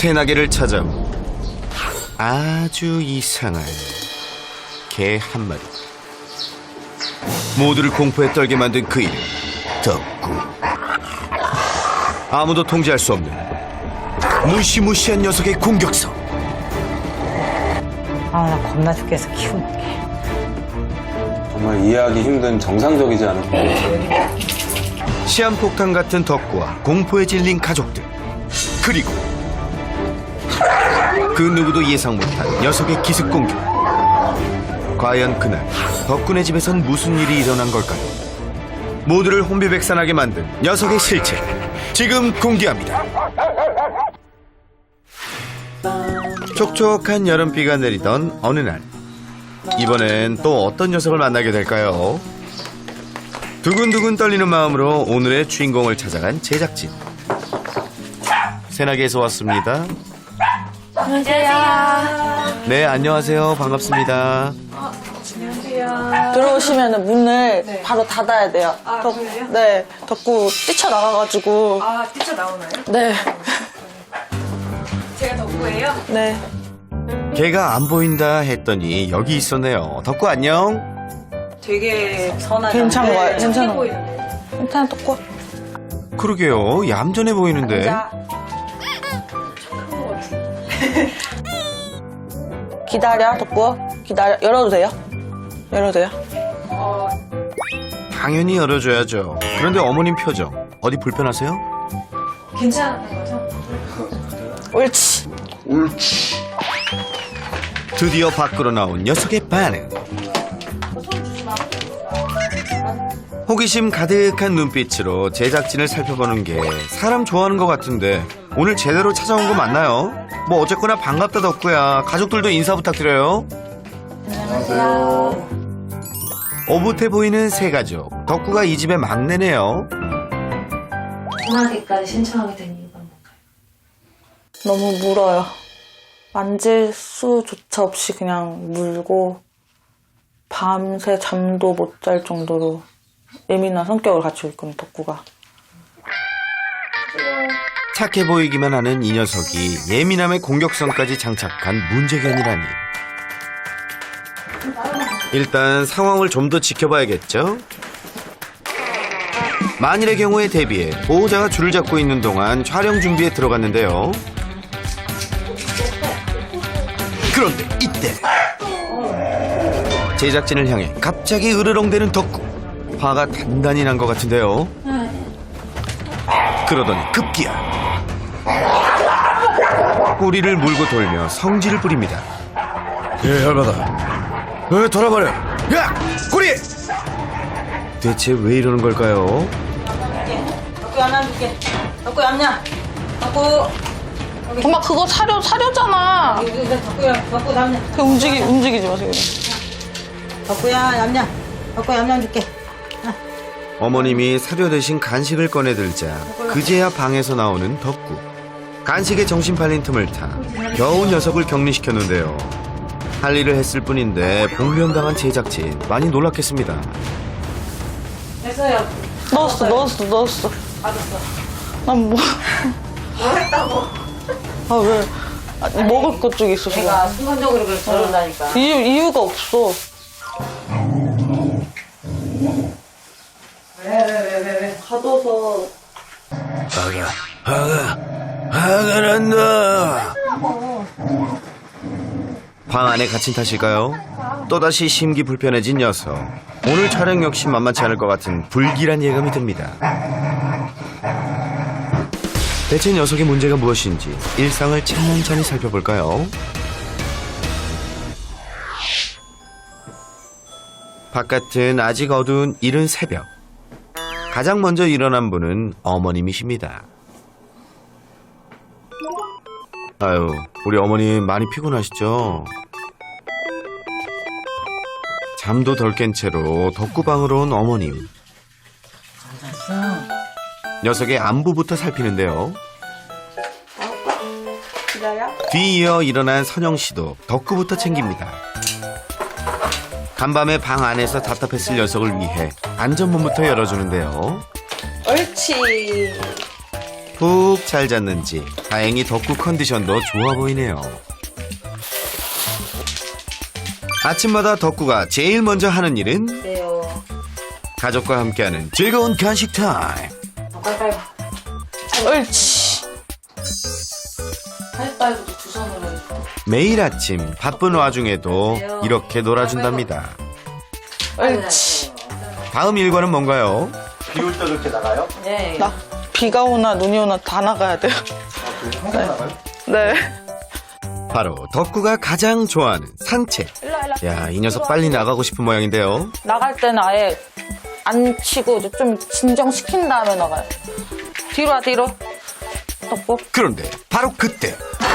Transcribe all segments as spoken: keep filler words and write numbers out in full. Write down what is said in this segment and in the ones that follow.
새나개를 찾아온 아주 이상한 개 한 마리. 모두를 공포에 떨게 만든 그 이름 덕구. 아무도 통제할 수 없는 무시무시한 녀석의 공격성. 아, 나 겁나 죽겠어, 키우는 게. 정말 이해하기 힘든 정상적이지 않은 거예요. 시한폭탄 같은 덕구와 공포에 질린 가족들, 그리고 그 누구도 예상 못한 녀석의 기습 공격. 과연 그날 덕구네 집에선 무슨 일이 일어난 걸까요? 모두를 혼비백산하게 만든 녀석의 실체, 지금 공개합니다. 촉촉한 여름비가 내리던 어느 날, 이번엔 또 어떤 녀석을 만나게 될까요? 두근두근 떨리는 마음으로 오늘의 주인공을 찾아간 제작진. 새나개에서 왔습니다. 안녕하세요. 네, 안녕하세요. 반갑습니다. 들어오시면 문을 네. 바로 닫아야 돼요. 아, 덕- 그래요? 네, 덕구 뛰쳐나가가지고. 아, 뛰쳐나오나요? 네, 제가 덕구예요? 네. 걔가 안 보인다 했더니 여기 있었네요. 덕구 안녕. 되게 선하다. 괜찮은 거예요, 괜찮은 착해 거. 보이는데. 일단 덕구. 그러게요. 얌전해 보이는데. 자. 기다려, 덕구. 기다려. 열어도 돼요? 열어도 돼요? 어, 당연히 열어줘야죠. 그런데 어머님 표정 어디 불편하세요? 괜찮은 거죠? 옳지. 드디어 밖으로 나온 녀석의 반응. 호기심 가득한 눈빛으로 제작진을 살펴보는 게 사람 좋아하는 것 같은데 오늘 제대로 찾아온 거 맞나요? 뭐 어쨌거나 반갑다 덕구야. 가족들도 인사 부탁드려요. 안녕하세요. 오붓해 보이는 세 가족. 덕구가 이 집의 막내네요. 통화기까지 신청하게 된 이유가 뭔가요? 너무 물어요. 만질 수조차 없이 그냥 물고 밤새 잠도 못 잘 정도로 예민한 성격을 갖추고 있거든요, 덕구가. 착해 보이기만 하는 이 녀석이 예민함의 공격성까지 장착한 문제견이라니. 일단 상황을 좀 더 지켜봐야겠죠? 만일의 경우에 대비해 보호자가 줄을 잡고 있는 동안 촬영 준비에 들어갔는데요. 그런데 이때 제작진을 향해 갑자기 으르렁대는 덕구. 화가 단단히 난 것 같은데요. 그러더니 급기야 꼬리를 물고 돌며 성질을 부립니다. 예, 열받아. 왜 돌아버려? 야! 꼬리! 대체 왜 이러는 걸까요? 덕구 얌얌 줄게. 덕구 얌얌. 덕구. 엄마 그거 사료 사료잖아. 덕구야, 덕구 얌얌. 그 움직이 움직이지 마세요. 덕구야 얌얌. 덕구 얌얌 줄게. 어머님이 사료 대신 간식을 꺼내들자 그제야 방에서 나오는 덕구. 간식에 정신 팔린 틈을 타 겨우 녀석을 격리시켰는데요. 할 일을 했을 뿐인데 봉변당한 제작진 많이 놀랐겠습니다. 됐어요. 넣었어, 넣었어, 넣었어. 받았어. 난 뭐? 뭐 했다고? 아 왜? 아, 먹을 것 쪽에 있어서. 내가 순간적으로 그걸 저런다니까. 이유 이유가 없어. 왜, 왜, 왜, 왜, 왜? 가둬서. 화가 화가 화가 난다. 방 안에 갇힌 탓일까요? 또다시 심기 불편해진 녀석. 오늘 촬영 역시 만만치 않을 것 같은 불길한 예감이 듭니다. 대체 녀석의 문제가 무엇인지 일상을 찬찬히 살펴볼까요? 바깥은 아직 어두운 이른 새벽. 가장 먼저 일어난 분은 어머님이십니다. 아유, 우리 어머님 많이 피곤하시죠? 잠도 덜 깬 채로 덕구방으로 온 어머님. 녀석의 안부부터 살피는데요. 기다려. 뒤이어 일어난 선영씨도 덕구부터 챙깁니다. 간밤에 방 안에서 답답했을 녀석을 위해 안전문부터 열어주는데요. 옳지. 푹 잘 잤는지 다행히 덕구 컨디션도 좋아 보이네요. 아침마다 덕구가 제일 먼저 하는 일은 네요. 가족과 함께하는 즐거운 간식 타임. 빨리빨리. 옳지. 빨리빨리도 두 손으로 해주고. 매일 아침 바쁜 와중에도 이렇게 놀아준답니다. 옳지. 다음 일과는 뭔가요? 비 올 때도 이렇게 나가요? 네. 나 비가 오나 눈이 오나 다 나가야 돼요. 항상 나가요? 네. 바로 덕구가 가장 좋아하는 산책. 일로 와, 일로 와. 야, 이 녀석 빨리 나가고 싶은 모양인데요. 나갈 때는 아예 안 치고 이제 좀 진정시킨 다음에 나가요. 뒤로 와, 뒤로. 덕구. 그런데 바로 그때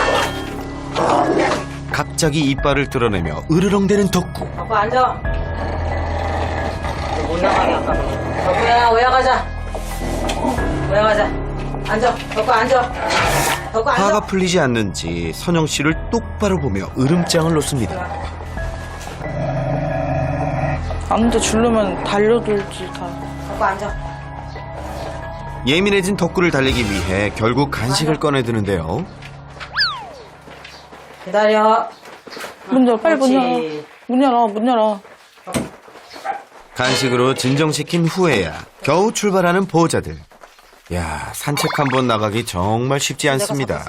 갑자기 이빨을 드러내며 으르렁대는 덕구. 덕구 앉아. 못 나가게 아까. 덕구야, 오야가자. 오야가자. 앉아. 덕구 앉아. 덕구 앉아. 화가 풀리지 않는지 선영 씨를 똑바로 보며 으름장을 놓습니다. 아무데 주려면 달려들지 다. 덕구 앉아. 예민해진 덕구를 달래기 위해 결국 간식을 꺼내드는데요. 기다려. 문 열어, 빨리 문 열어. 그렇지. 문 열어, 문 열어. 간식으로 진정시킨 후에야 겨우 출발하는 보호자들. 야, 산책 한번 나가기 정말 쉽지 않습니다.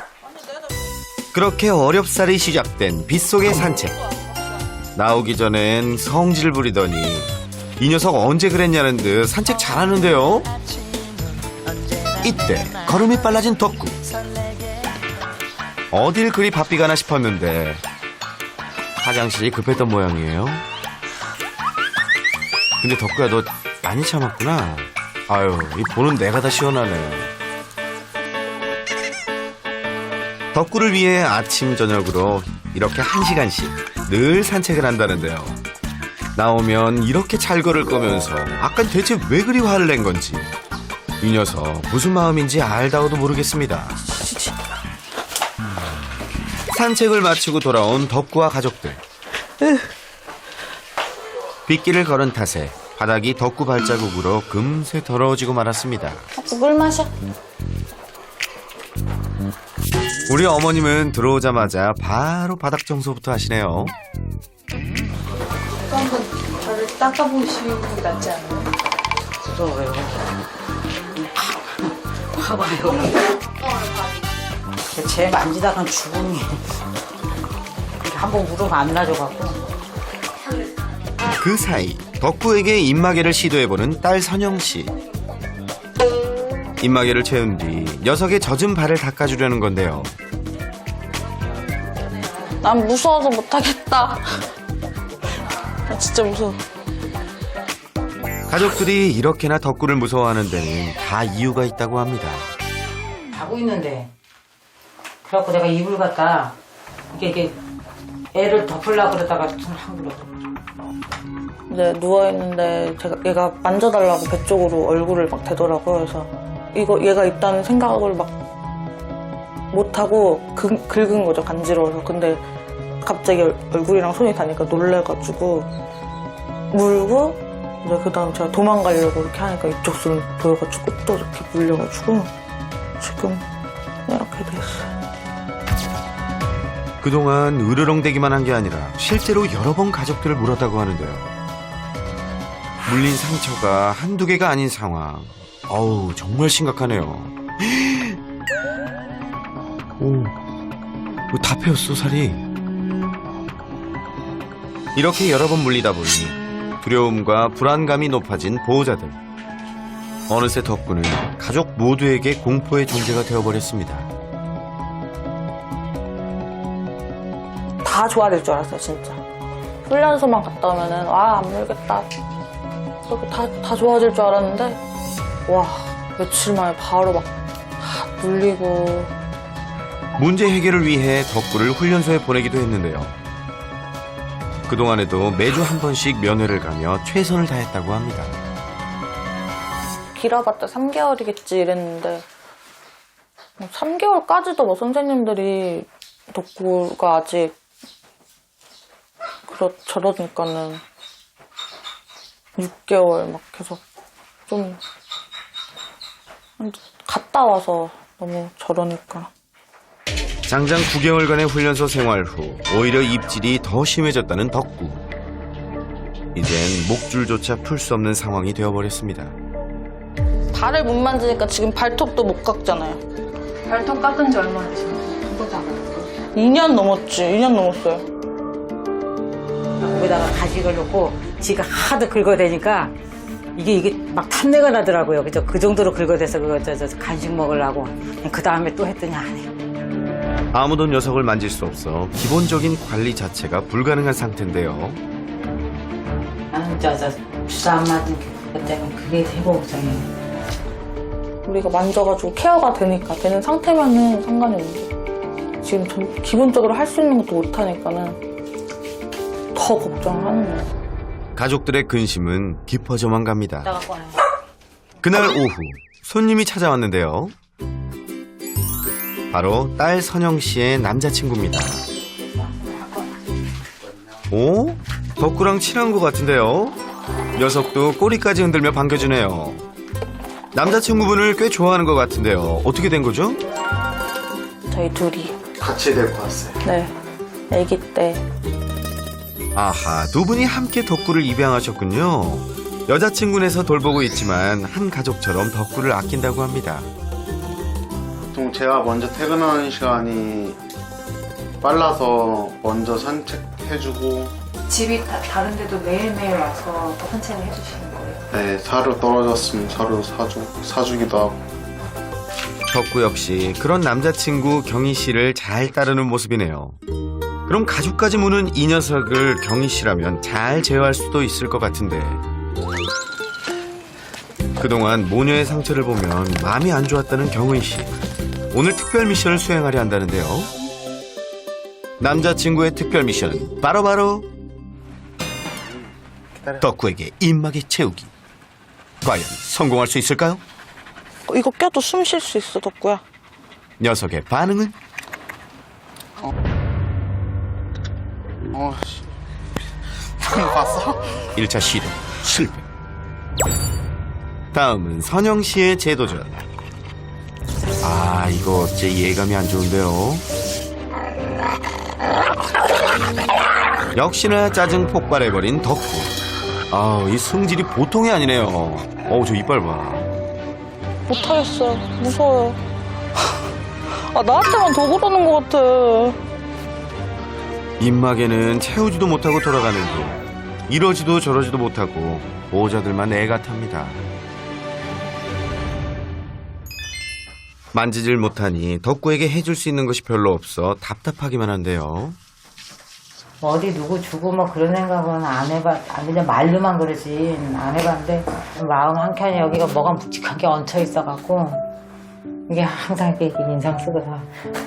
그렇게 어렵사리 시작된 빗속의 산책. 나오기 전엔 성질 부리더니 이 녀석 언제 그랬냐는 듯 산책 잘하는데요. 이때 걸음이 빨라진 덕구. 어딜 그리 바삐 가나 싶었는데 화장실이 급했던 모양이에요. 근데 덕구야, 너 많이 참았구나. 아유, 이 보는 내가 다 시원하네. 덕구를 위해 아침 저녁으로 이렇게 한 시간씩 늘 산책을 한다는데요. 나오면 이렇게 잘 걸을 거면서 아까 대체 왜 그리 화를 낸 건지 이 녀석 무슨 마음인지 알다가도 모르겠습니다. 산책을 마치고 돌아온 덕구와 가족들. 빗길을 걸은 탓에 바닥이 덕구 발자국으로 금세 더러워지고 말았습니다. 물 마셔. 우리 어머님은 들어오자마자 바로 바닥 청소부터 하시네요. 한번 저를 닦아보시는 게 낫지 않아요? 무서워요. 봐봐요. 쟤 만지다간 죽음이. 한번 무릎 안 나져갖고. 그 사이 덕구에게 입마개를 시도해보는 딸 선영씨. 입마개를 채운 뒤 녀석의 젖은 발을 닦아주려는 건데요. 난 무서워서 못하겠다. 나 진짜 무서워. 가족들이 이렇게나 덕구를 무서워하는 데는 다 이유가 있다고 합니다. 자고 있는데. 그래갖고 내가 이불 갖다 이게 이게 애를 덮으려고 그러다가 손한 그러고. 이제 누워있는데 제가 얘가 만져달라고 배 쪽으로 얼굴을 막 대더라고요. 그래서 이거 얘가 있다는 생각을 막 못하고 긁, 긁은 거죠. 간지러워서. 근데 갑자기 얼, 얼굴이랑 손이 닿으니까 놀래가지고 물고 이제 그 다음 제가 도망가려고 이렇게 하니까 이쪽 손 보여가지고 또 이렇게 물려가지고 지금 이렇게 됐어요. 그동안 으르렁대기만 한 게 아니라 실제로 여러 번 가족들을 물었다고 하는데요. 물린 상처가 한두 개가 아닌 상황. 어우, 정말 심각하네요. 오, 이거 다 패였어, 살이. 이렇게 여러 번 물리다 보니 두려움과 불안감이 높아진 보호자들. 어느새 덕구는 가족 모두에게 공포의 존재가 되어버렸습니다. 다 좋아질 줄 알았어요, 진짜. 훈련소만 갔다 오면은, 와, 안 물겠다. 그렇게 다, 다 좋아질 줄 알았는데, 와, 며칠 만에 바로 막, 다 물리고. 문제 해결을 위해 덕구를 훈련소에 보내기도 했는데요. 그동안에도 매주 한 번씩 면회를 가며 최선을 다했다고 합니다. 길어봤자 삼 개월이겠지 이랬는데, 삼 개월까지도 뭐 선생님들이 덕구가 아직 그렇, 저러니까는 육 개월 막 계속 좀 갔다 와서 너무 저러니까. 장장 구 개월간의 훈련소 생활 후 오히려 입질이 더 심해졌다는 덕구. 이젠 목줄조차 풀 수 없는 상황이 되어버렸습니다. 발을 못 만지니까 지금 발톱도 못 깎잖아요. 발톱 깎은 지 얼마나 되셨나요? 이 년 넘었지. 이 년 넘었어요. 거기다가 가식을 넣고 지가 하도 긁어대니까 이게 이게 막 탄내가 나더라고요. 그죠? 그 정도로 긁어대서 그거 저, 저 간식 먹으려고 그 다음에 또 했더니 안 해요. 아무도 녀석을 만질 수 없어 기본적인 관리 자체가 불가능한 상태인데요. 나는 저저 주사 안 맞은 것 때문에 그게 되게 걱정이에요. 우리가 만져가지고 케어가 되니까 되는 상태면은 상관이 없는데 지금 전 기본적으로 할 수 있는 것도 못하니까는 더 걱정을 하는 거예요. 가족들의 근심은 깊어져만 갑니다. 이따가 꺼내. 그날 오후 손님이 찾아왔는데요. 바로 딸 선영 씨의 남자친구입니다. 오? 덕구랑 친한 것 같은데요? 녀석도 꼬리까지 흔들며 반겨주네요. 남자친구분을 꽤 좋아하는 것 같은데요. 어떻게 된 거죠? 저희 둘이. 같이 데리고 왔어요. 네. 아기 때. 아하, 두 분이 함께 덕구를 입양하셨군요. 여자친구네서 돌보고 있지만 한 가족처럼 덕구를 아낀다고 합니다. 보통 제가 먼저 퇴근하는 시간이 빨라서 먼저 산책해주고, 집이 다, 다른데도 매일매일 와서 또 산책을 해주시는 거예요? 네, 사료 떨어졌으면 사료 사주, 사주기도 하고. 덕구 역시 그런 남자친구 경희 씨를 잘 따르는 모습이네요. 그럼 가죽까지 무는 이 녀석을 경희 씨라면 잘 제어할 수도 있을 것 같은데. 그동안 모녀의 상처를 보면 마음이 안 좋았다는 경희 씨. 오늘 특별 미션을 수행하려 한다는데요. 남자친구의 특별 미션 바로바로 덕구에게 입마개 채우기. 과연 성공할 수 있을까요? 어, 이거 껴도 숨 쉴 수 있어, 덕구야. 녀석의 반응은? 어, 씨. 봤어? 일 차 시도 실패. 다음은 선영 씨의 재도전. 아, 이거 어째 예감이 안 좋은데요. 역시나 짜증 폭발해버린 덕구. 아, 이 성질이 보통이 아니네요. 어우, 저 이빨 봐. 못하겠어요. 무서워요. 아, 나한테만 더 그러는 것 같아. 입마개는 채우지도 못하고 돌아가는 중 이러지도 저러지도 못하고 보호자들만 애가 탑니다. 만지질 못하니 덕구에게 해줄 수 있는 것이 별로 없어 답답하기만 한데요. 뭐 어디 누구 주고 뭐 그런 생각은 안 해봐. 아, 그냥 말로만 그러지 안 해봤는데 마음 한켠에 여기가 뭐가 묵직하게 얹혀 있어갖고 이게 항상 이렇게 인상 쓰거든.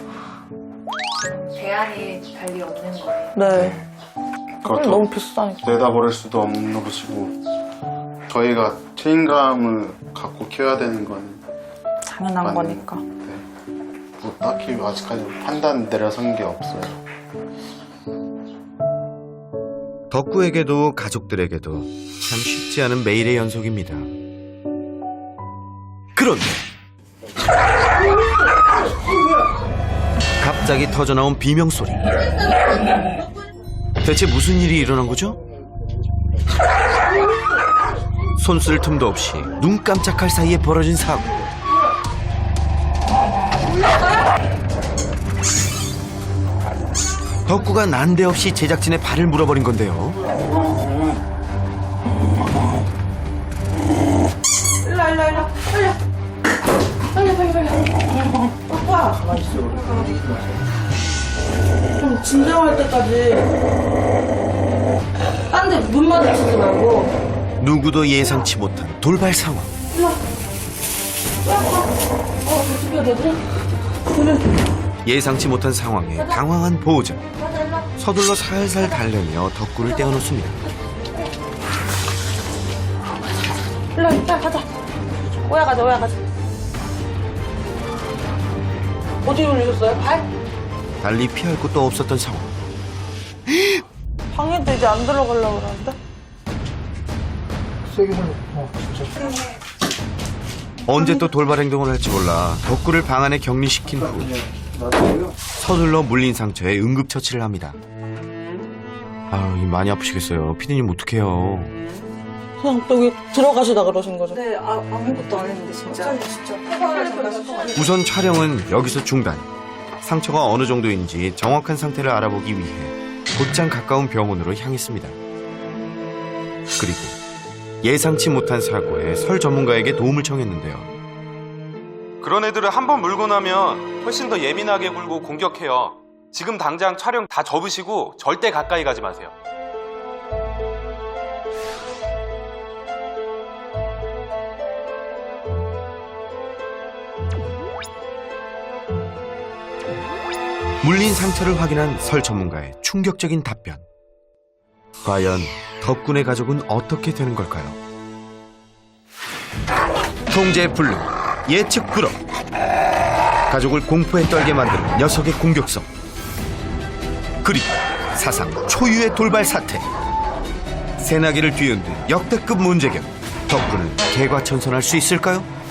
대안이 달리 없는 거예요. 네. 그것도 너무 비싸니까. 내다버릴 수도 없는 것이고, 저희가 책임감을 갖고 키워야 되는 건 당연한 맞는- 거니까. 네. 뭐 딱히 아직까지 판단 내려선 게 없어요. 덕구에게도 가족들에게도 참 쉽지 않은 매일의 연속입니다. 그런데 갑자기 터져나온 비명소리. 대체 무슨 일이 일어난 거죠? 손 쓸 틈도 없이 눈 깜짝할 사이에 벌어진 사고. 덕구가 난데없이 제작진의 발을 물어버린 건데요. 좀 진정할 때까지 딴 데 눈 마주치지 말고. 누구도 예상치 못한 돌발 상황. 예상치 못한 상황에 당황한 보호자. 서둘러 살살 달래며 덕구를 떼어놓습니다. 일로 와, 일단 가자. 오야 가자, 오야 가자. 어디 올리셨어요? 발? 달리 피할 곳도 없었던 상황. 방에도 이제 안 들어가려고 그러는데? 세게 불러. 어, 진짜. 언제 또 돌발 행동을 할지 몰라 덕구를 방 안에 격리시킨 후 서둘러 물린 상처에 응급처치를 합니다. 아유, 많이 아프시겠어요. 피디님 어떡해요. 그냥 여기 들어가시다 그러신 거죠? 네, 아, 아무것도 안 했는데 진짜. 진짜. 우선 촬영은 여기서 중단. 상처가 어느 정도인지 정확한 상태를 알아보기 위해 곧장 가까운 병원으로 향했습니다. 그리고 예상치 못한 사고에 설 전문가에게 도움을 청했는데요. 그런 애들은 한 번 물고 나면 훨씬 더 예민하게 굴고 공격해요. 지금 당장 촬영 다 접으시고 절대 가까이 가지 마세요. 물린 상처를 확인한 설 전문가의 충격적인 답변. 과연 덕군의 가족은 어떻게 되는 걸까요? 통제 불능, 예측 불허. 가족을 공포에 떨게 만드는 녀석의 공격성. 그리고 사상 초유의 돌발 사태. 새나기를 뒤흔든 역대급 문제점. 덕군은 개과천선할 수 있을까요?